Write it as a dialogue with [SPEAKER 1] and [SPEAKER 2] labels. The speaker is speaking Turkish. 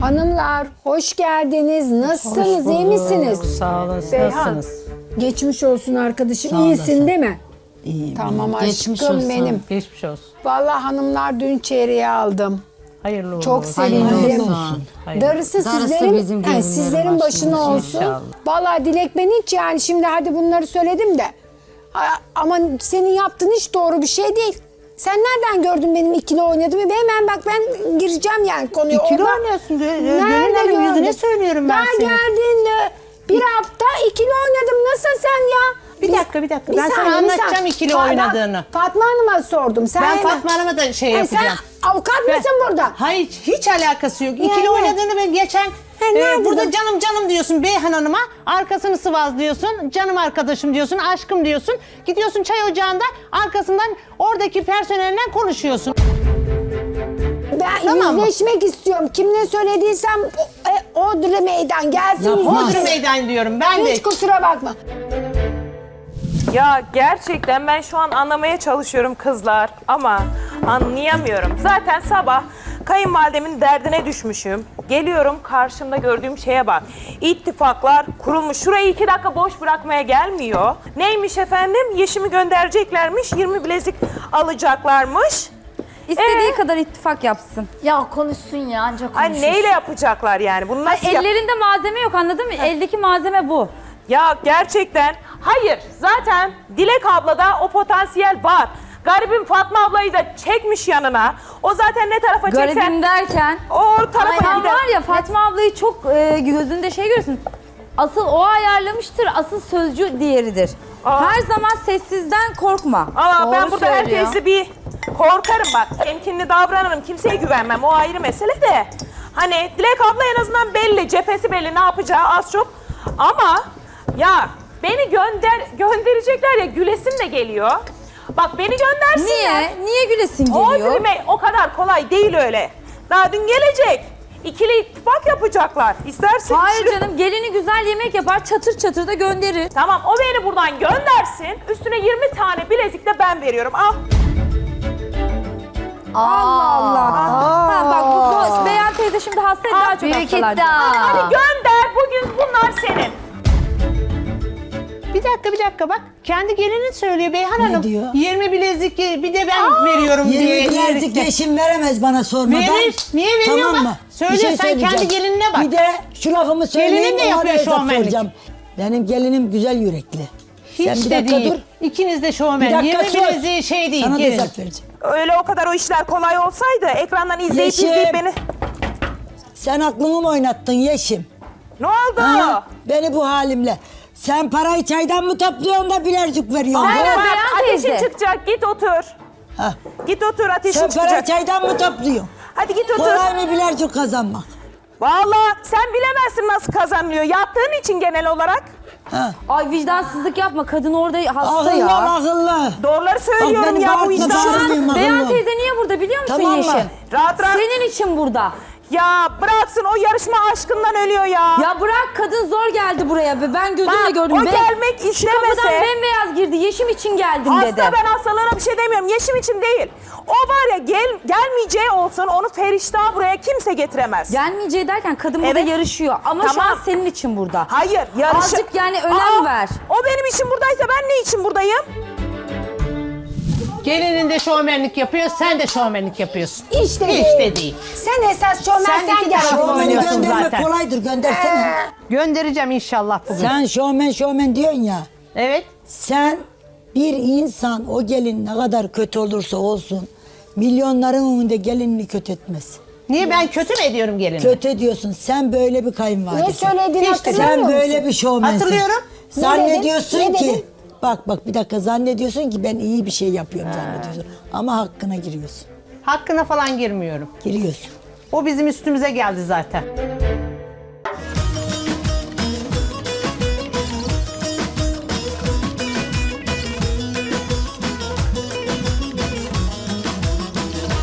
[SPEAKER 1] Hanımlar hoş geldiniz. Nasılsınız? İyi misiniz?
[SPEAKER 2] Sağ olun.
[SPEAKER 1] Beyhan,
[SPEAKER 2] Nasılsınız?
[SPEAKER 1] Geçmiş olsun arkadaşım.
[SPEAKER 3] Sağ
[SPEAKER 1] İyisin
[SPEAKER 3] olasın.
[SPEAKER 1] değil mi?
[SPEAKER 3] İyiyim.
[SPEAKER 1] Tamam
[SPEAKER 2] Geçmiş
[SPEAKER 1] aşkım
[SPEAKER 2] olsun.
[SPEAKER 1] benim.
[SPEAKER 2] Geçmiş olsun.
[SPEAKER 1] Vallahi hanımlar dün çeyreği aldım.
[SPEAKER 2] Hayırlı uğurlu
[SPEAKER 1] Çok
[SPEAKER 2] olsun.
[SPEAKER 1] sevindim.
[SPEAKER 3] Hayırlı olsun.
[SPEAKER 2] Hayırlı.
[SPEAKER 1] Darısı
[SPEAKER 3] Darısı
[SPEAKER 1] sizlerin,
[SPEAKER 3] bizim gelinlerin
[SPEAKER 1] sizlerin başına
[SPEAKER 3] başına
[SPEAKER 1] olsun.
[SPEAKER 2] inşallah.
[SPEAKER 1] Vallahi Dilek ben hiç yani şimdi hadi bunları söyledim de. Ama senin yaptığın hiç doğru bir şey değil. Sen nereden gördün benim ikili oynadığımı? Hemen bak ben gireceğim yani konuya.
[SPEAKER 2] İkili
[SPEAKER 1] Orada-
[SPEAKER 2] oynuyorsun.
[SPEAKER 1] Nerede
[SPEAKER 2] Gönül yüzüne
[SPEAKER 1] gördün?
[SPEAKER 2] söylüyorum ben
[SPEAKER 1] Daha
[SPEAKER 2] seni.
[SPEAKER 1] geldiğinde bir hafta ikili oynadım. Nasıl sen ya?
[SPEAKER 2] Bir dakika. Ben sana anlatacağım ikili oynadığını.
[SPEAKER 1] Fatma Hanım'a sordum. Sen
[SPEAKER 2] Ben
[SPEAKER 1] hemen-
[SPEAKER 2] Fatma Hanım'a da şey
[SPEAKER 1] Ha,
[SPEAKER 2] yapacağım.
[SPEAKER 1] Sen avukat mısın burada?
[SPEAKER 2] Hayır, hiç alakası yok. İkili
[SPEAKER 1] Yani.
[SPEAKER 2] oynadığını ben geçen
[SPEAKER 1] nerede
[SPEAKER 2] burada
[SPEAKER 1] bu?
[SPEAKER 2] canım diyorsun Beyhan Hanım'a. Arkasını sıvazlıyorsun. Canım arkadaşım diyorsun. Aşkım diyorsun. Gidiyorsun çay ocağında arkasından oradaki personelinden konuşuyorsun.
[SPEAKER 1] Ben
[SPEAKER 2] Tamam mı?
[SPEAKER 1] yüzleşmek istiyorum. Kimle söylediysem Odri meydan gelsin.
[SPEAKER 3] Yapmaz.
[SPEAKER 2] Bodrum meydan diyorum ben de.
[SPEAKER 1] Hiç kusura bakma.
[SPEAKER 4] Ya gerçekten ben şu an anlamaya çalışıyorum kızlar ama anlayamıyorum. Zaten sabah kayınvalidemin derdine düşmüşüm. Geliyorum karşımda gördüğüm şeye bak. İttifaklar kurulmuş. Şurayı 2 dakika boş bırakmaya gelmiyor. Neymiş efendim? Yeşimi göndereceklermiş. 20 bilezik alacaklarmış.
[SPEAKER 5] İstediği kadar ittifak yapsın.
[SPEAKER 6] Ya konuşsun ya ancak
[SPEAKER 4] Ay
[SPEAKER 6] konuşur.
[SPEAKER 4] neyle yapacaklar yani? Bunu nasıl yap-
[SPEAKER 5] Ellerinde malzeme yok, anladın mı? Eldeki malzeme bu.
[SPEAKER 4] Ya gerçekten hayır zaten Dilek ablada o potansiyel var. Garibim Fatma ablayı da çekmiş yanına. O zaten ne tarafa çeksen
[SPEAKER 5] Garibim derken.
[SPEAKER 4] o tarafa
[SPEAKER 5] Sen
[SPEAKER 4] gider.
[SPEAKER 5] var ya Fatma ablayı çok gözünde şey görürsün. Asıl o ayarlamıştır, asıl sözcü diğeridir.
[SPEAKER 4] Aa.
[SPEAKER 5] Her zaman sessizden korkma.
[SPEAKER 4] Ama ben
[SPEAKER 5] Doğru
[SPEAKER 4] burada
[SPEAKER 5] söylüyor.
[SPEAKER 4] herkesi bir korkarım bak. Temkinli davranırım. Kimseye güvenmem. O ayrı mesele de. Hani Dilek abla en azından belli. Cephesi belli. Ne yapacağı az çok. Ama ya beni gönderecekler ya gülesim de geliyor. Bak beni göndersinler.
[SPEAKER 5] Niye? Niye gülesin
[SPEAKER 4] O
[SPEAKER 5] geliyor?
[SPEAKER 4] dilime o kadar kolay değil öyle. Daha dün gelecek. İkili ittifak yapacaklar. İstersin.
[SPEAKER 5] Hayır
[SPEAKER 4] üçlü-
[SPEAKER 5] canım, gelini güzel yemek yapar, çatır çatır da gönderir.
[SPEAKER 4] Tamam o beni buradan göndersin. Üstüne 20 tane bilezik de ben veriyorum. Al.
[SPEAKER 5] Allah. Ha, bak bu Beyan teyze şimdi hastaydı, daha çok
[SPEAKER 6] Büyük
[SPEAKER 5] hastalar.
[SPEAKER 6] iddia.
[SPEAKER 4] Hadi gönder. Bugün bunlar senin.
[SPEAKER 2] Bir dakika bak. Kendi gelinin söylüyor Beyhan Hanım.
[SPEAKER 3] diyor?
[SPEAKER 2] 20 bilezik bir de ben veriyorum diye.
[SPEAKER 3] 20 bilezik yeşim veremez bana sormadan.
[SPEAKER 2] Verir. Niye veriyor
[SPEAKER 3] Tamam
[SPEAKER 2] bak?
[SPEAKER 3] mı?
[SPEAKER 2] Söyle,
[SPEAKER 3] Bir şey
[SPEAKER 2] sen
[SPEAKER 3] söyleyeceğim.
[SPEAKER 2] kendi gelinine bak.
[SPEAKER 3] Bir de şu lafımı söyleyeyim.
[SPEAKER 2] Gelinin de
[SPEAKER 3] ona
[SPEAKER 2] yapıyor
[SPEAKER 3] hesap
[SPEAKER 2] şovmenlik.
[SPEAKER 3] soracağım. Benim gelinim güzel yürekli.
[SPEAKER 2] Hiç
[SPEAKER 3] Sen bir
[SPEAKER 2] de
[SPEAKER 3] dakika
[SPEAKER 2] değil.
[SPEAKER 3] dur.
[SPEAKER 2] İkiniz de
[SPEAKER 3] Bir
[SPEAKER 2] şovmen.
[SPEAKER 3] dakika
[SPEAKER 2] 20
[SPEAKER 3] sus.
[SPEAKER 2] bileziği şey değil.
[SPEAKER 3] Sana da
[SPEAKER 2] gelin.
[SPEAKER 3] hesap vereceğim.
[SPEAKER 4] Öyle o kadar o işler kolay olsaydı ekrandan izleyip
[SPEAKER 3] Yeşim.
[SPEAKER 4] izleyip beni...
[SPEAKER 3] Sen aklını mı oynattın yeşim?
[SPEAKER 4] Ne oldu?
[SPEAKER 3] Ha? Beni bu halimle. Sen parayı çaydan mı topluyorsun da bilercik veriyorsun?
[SPEAKER 5] Aynen.
[SPEAKER 3] ha?
[SPEAKER 4] Bak,
[SPEAKER 5] Beyan
[SPEAKER 4] ateşin
[SPEAKER 5] teyze.
[SPEAKER 4] çıkacak git otur.
[SPEAKER 3] Ha.
[SPEAKER 4] Git otur ateşin
[SPEAKER 3] Sen parayı
[SPEAKER 4] çıkacak.
[SPEAKER 3] çaydan mı topluyorsun?
[SPEAKER 4] Hadi git otur.
[SPEAKER 3] Kolay mı bilercik kazanmak?
[SPEAKER 4] Vallahi sen bilemezsin nasıl kazanılıyor. Yaptığın için genel olarak.
[SPEAKER 3] Ha.
[SPEAKER 5] Ay vicdansızlık yapma, kadın orada hasta
[SPEAKER 3] Akıllı
[SPEAKER 5] ya.
[SPEAKER 3] akıllı.
[SPEAKER 4] Doğruları söylüyorum
[SPEAKER 3] beni
[SPEAKER 4] ya bu
[SPEAKER 3] bağırtma,
[SPEAKER 4] işten.
[SPEAKER 3] bağırma.
[SPEAKER 5] Beyan
[SPEAKER 3] Akıllı.
[SPEAKER 5] teyze niye burada biliyor musun
[SPEAKER 3] Tamam mı?
[SPEAKER 5] Yeşim?
[SPEAKER 4] Rahat rahat.
[SPEAKER 5] Senin için burada.
[SPEAKER 4] Ya bıraksın o yarışma aşkından ölüyor ya.
[SPEAKER 5] Ya bırak, kadın zor geldi buraya be. Ben gözümle
[SPEAKER 4] Bak,
[SPEAKER 5] gördüm.
[SPEAKER 4] o
[SPEAKER 5] Be-
[SPEAKER 4] gelmek
[SPEAKER 5] Şu
[SPEAKER 4] istemese-
[SPEAKER 5] kapıdan bembeyaz girdi. Yeşim için geldim
[SPEAKER 4] Hasta
[SPEAKER 5] dedi.
[SPEAKER 4] ben hastalığına bir şey demiyorum. Yeşim için değil. O var ya gelmeyeceği olsun onu Feriştah buraya kimse getiremez.
[SPEAKER 5] Gelmeyeceği derken kadın burada
[SPEAKER 4] Evet.
[SPEAKER 5] yarışıyor. Ama şu
[SPEAKER 4] Tamam.
[SPEAKER 5] an senin için burada.
[SPEAKER 4] Hayır yarışı...
[SPEAKER 5] Azıcık yani önem ver.
[SPEAKER 4] O benim için buradaysa ben ne için buradayım?
[SPEAKER 2] Gelinin de şovmenlik yapıyor, sen de şovmenlik yapıyorsun.
[SPEAKER 1] İşte
[SPEAKER 2] Hiç
[SPEAKER 1] değil.
[SPEAKER 2] de değil.
[SPEAKER 1] Sen esas şovmen
[SPEAKER 2] Sen
[SPEAKER 1] sen
[SPEAKER 2] iki
[SPEAKER 1] gel.
[SPEAKER 2] taraflı
[SPEAKER 1] Şovmen
[SPEAKER 2] oynuyorsun
[SPEAKER 3] Şovmeni göndermek
[SPEAKER 2] zaten.
[SPEAKER 3] kolaydır, göndersene.
[SPEAKER 2] Göndereceğim inşallah bugün.
[SPEAKER 3] Sen şovmen diyorsun ya.
[SPEAKER 2] Evet.
[SPEAKER 3] Sen bir insan o gelin ne kadar kötü olursa olsun milyonların önünde gelinini kötü etmez.
[SPEAKER 2] Niye ben kötü mü ediyorum gelini?
[SPEAKER 3] Kötü diyorsun. Sen böyle bir kayınvalidesin.
[SPEAKER 1] Ne söylediğini
[SPEAKER 2] Hiç de-
[SPEAKER 1] hatırlamıyor
[SPEAKER 3] Sen
[SPEAKER 1] musun?
[SPEAKER 3] böyle bir şovmensin.
[SPEAKER 2] Hatırlıyorum.
[SPEAKER 3] Zannediyorsun
[SPEAKER 1] Ne
[SPEAKER 3] ki
[SPEAKER 1] dedin?
[SPEAKER 3] bak bir dakika zannediyorsun ki ben iyi bir şey yapıyorum zannediyorsun. Ama hakkına giriyorsun.
[SPEAKER 2] Hakkına falan girmiyorum.
[SPEAKER 3] Giriyorsun.
[SPEAKER 2] O bizim üstümüze geldi zaten.